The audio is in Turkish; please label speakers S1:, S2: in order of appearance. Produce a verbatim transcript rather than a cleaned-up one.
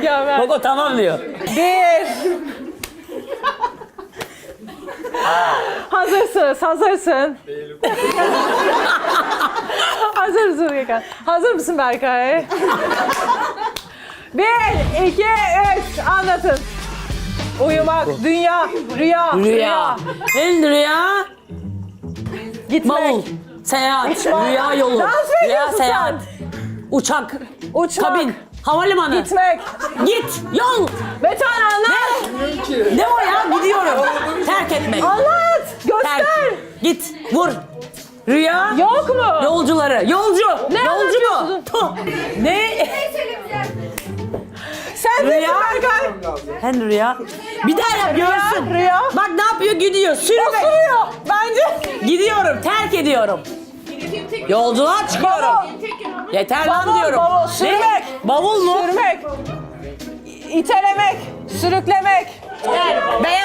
S1: Mükemmel.
S2: Koko tamam diyor.
S1: Bir. Hazırsınız, hazırsın. Hazır mısın Gökhan? Hazır mısın Berkay? Bir, iki, üç. Anlatın. Uyumak, dünya, rüya,
S2: Rüya. En rüya.
S1: gitmek,
S2: Bavul. Seyahat.
S1: Uçmak.
S2: Rüya yolu.
S1: Dans mı
S2: Rüya
S1: ediyorsun
S2: seyahat. Uçak.
S1: uçmak,
S2: Kabin. Havalimanı.
S1: gitmek.
S2: Git. Yol.
S1: Metan anlat.
S2: Ne o ya? Gidiyorum. Terk etmek.
S1: Anlat. Göster.
S2: Terk. Git. Vur. Rüya.
S1: Yok mu?
S2: Yolcuları. Yolcu.
S1: Ne
S2: Yolcu mu?
S1: anlatıyorsun?
S2: Tuh. Ne?
S1: Sen
S2: Rüya.
S1: Rüya. Berkay.
S2: Sen rüya. Bir daha yap görsün.
S1: Rüya.
S2: Bak ne yapıyor? Gidiyor. Sürmek.
S1: Osuruyor. Bence.
S2: Gidiyorum. Terk ediyorum. Yolculuğa çıkıyorum.
S1: Bavul.
S2: Yeter lan
S1: Bavul,
S2: diyorum.
S1: bavul,
S2: Ne?
S1: sürmek.
S2: Bavul mu?
S1: Sürmek. İtelemek. Sürüklemek.
S2: Beyaz